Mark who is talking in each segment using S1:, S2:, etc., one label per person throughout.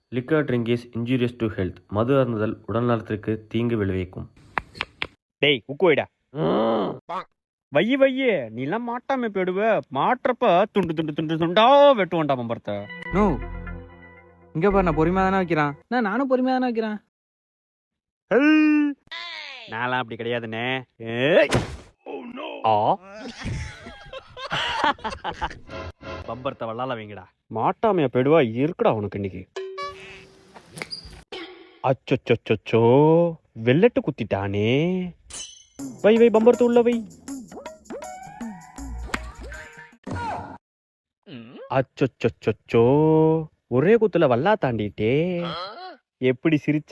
S1: Liquor drink is injurious to health. மது அருந்துதல் உடல்நலத்திற்கு தீங்கு விளைவிக்கும்.
S2: டேய் உக்கு வைடா. வையே நீ எல்லாம் மாட்டாம போயிடுவ. மாட்டுறப்ப துண்டு துண்டு துண்டு துண்டா வெட்டுவான்டா பம்பரத்தை.
S3: நோ இங்க பாரு, நான் பொறுமையா தானே வைக்கிறேன். நானும் பொறுமையா தானே வைக்கிறேன்.
S2: நான்லாம் அப்படி கிடையாதுண்ணே. ஏய். ஆ. பம்பரத்தை வல்லால வைங்கடா. மாட்டாமைய போயிடுவா இருக்குடா உனக்கு இன்னைக்கு. அச்சோ வெள்ளட்டு குத்திட்டானே. வை பம்பரத்தை உள்ள வை. அச்சோ ஒரே குத்துல வல்லா தாண்டிட்டே. எப்படி சிரிச்ச?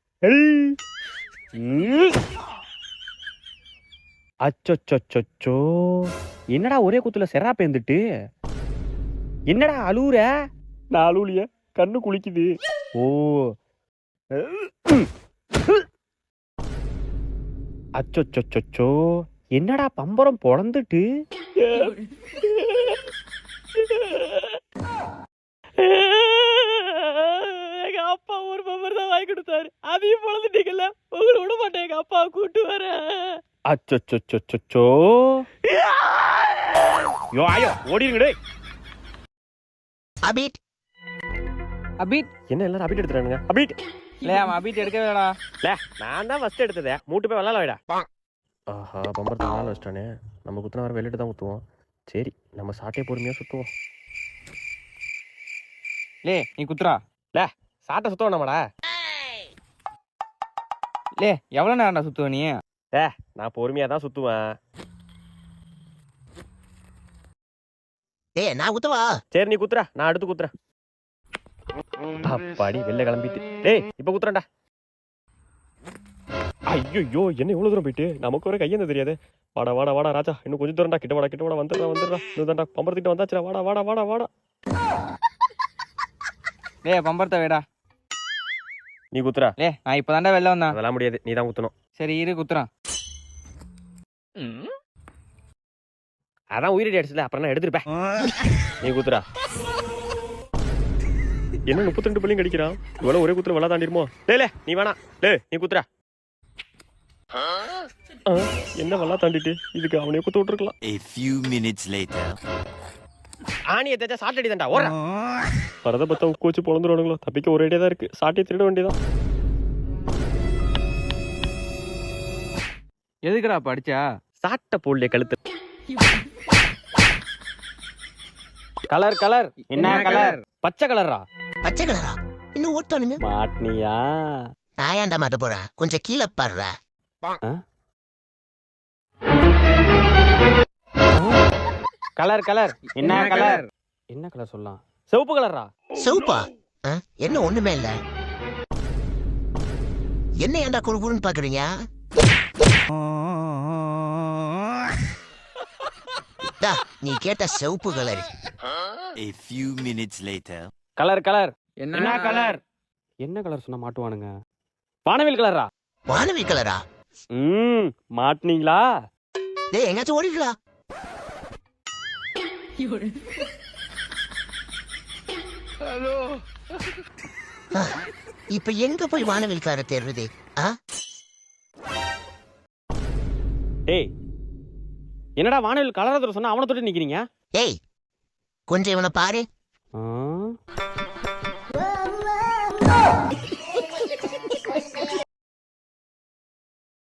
S2: அச்சோ என்னடா ஒரே குத்துல செரா பேந்துட்டு? என்னடா அழுவுற? நான் அழுவுலிய, கண்ணு குளிக்குது. ஓ அச்சோ என்னடா பம்பரம் பொழந்துட்டு? எங்க அப்பா ஒரு பம்பர் தான் வாங்கி கொடுத்தாரு, அதையும் பொழந்துட்டீங்கல்ல. உங்களை விட மாட்டேன், எங்க அப்பா கூட்டு வர. அச்சோ யோ ஆயோ ஓடிடுங்கடே.
S4: அபீட்
S3: அபீட்
S2: என்ன எல்லாரும் அபீட் எடுத்துறானுங்க? அபீட்
S3: இல்லையா, அவன் அபீட் எடுக்கவே இல்லடா.
S2: நான் தான் ஃபர்ஸ்ட் எடுத்ததே. மூட்டு போய் விளாட வைடா. ஆஹா பம்பரத்தை விளாட வச்சிட்டானே. நம்ம குத்துனா வர வெளியிட்டு தான் குத்துவோம். சரி நம்ம சாட்டே பொறுமையா சுத்துவோம்.
S3: நீ குத்துறா.
S2: சாட்டை சுத்தம் நம்மடா.
S3: எவ்வளவு நேரம்டா சுத்துவ நீ?
S2: நான் பொறுமையா தான் சுத்துவேன்.
S4: நான் குத்தவா?
S2: சரி நீ குத்துறா, நான் அடுத்து குத்துறேன். அப்பாடி வெளில கிளம்பிட்டு. டேய் இப்ப குத்துறேன்டா. ஐயோ என்ன இவ்வளவு தூரம் போயிட்டு? நமக்கு ஒரு கையெந்த தெரியாது. வாடா ராஜா, இன்னும் கொஞ்சம் தூரம்டா. கிட்ட வாடா வந்துடுறா. இதுதான்டா பம்பரத்திட்ட வந்தாச்சுடா. வாடா.
S3: பம்பரத்தை வேடா.
S2: நீ குத்துறா.
S3: நான் இப்பதான்டா வெளில வந்தேன்.
S2: அதெல்லாம் முடியாது, நீ தான் குத்தணும்.
S3: சரி இரு குத்துறான்.
S2: அதான் உயிரடி அடிச்சல, அப்புறம் நான் எடுத்துருப்பேன். நீ குத்துறா. என்ன 32 பள்ளியும் கடிக்கிறான். இவ்வளவு ஒரே குத்துற வளா தாண்டிருமோ? நீ வேணா. நீ குத்துறா. என்ன வளா தாண்டிட்டு இதுக்கு அவனே குத்து விட்டுருக்கலாம்.
S5: A few minutes later.
S2: ஆணியை தேச்சா சாட்டடி தான்டா. ஓடுறா. பரத பத்தா உக்கு வச்சு பொழந்துருவானுங்களோ. தப்பிக்க ஒரே ஐடியா தான் இருக்கு. சாட்டியை திருட வேண்டியதான்.
S3: எதுக்குடா படிச்சா?
S2: சாட்டை போடலையே கழுத்து. கலர் என்ன கலர்? பச்சை கலரா?
S4: பச்சை கலரா? இன்னும் ஓட்டானுங்க.
S2: மாட்னியா?
S4: நான் ஏன்டா மாட்ட போறேன்? கொஞ்சம் கீழே பாடுற.
S2: கலர் என்ன கலர்? என்ன கலர் சொல்லலாம்? சிவப்பு கலரா?
S4: சிவப்பா? என்ன ஒண்ணுமே இல்ல. என்ன ஏன்டா குறுகுறுன்னு பாக்குறீங்க? நீ கேட்ட சிவப்பு colour.
S5: A few minutes later.
S2: Colour
S3: என்ன கலர்?
S2: என்ன கலர் சொன்னா மாட்டுவானுங்க? வானவில் கலரா?
S4: வானவில் கலரா?
S2: மாட்டுனீங்களா?
S4: எங்காச்சும் ஓடிங்களா? இப்ப எங்க போய் வானவில் கலரை தேடுறது?
S2: டேய் என்னடா வானவில் கலர் சொன்னா அவனை தொட்டு நிக்கிறீங்க?
S4: கொஞ்சம் இவனை பாரு.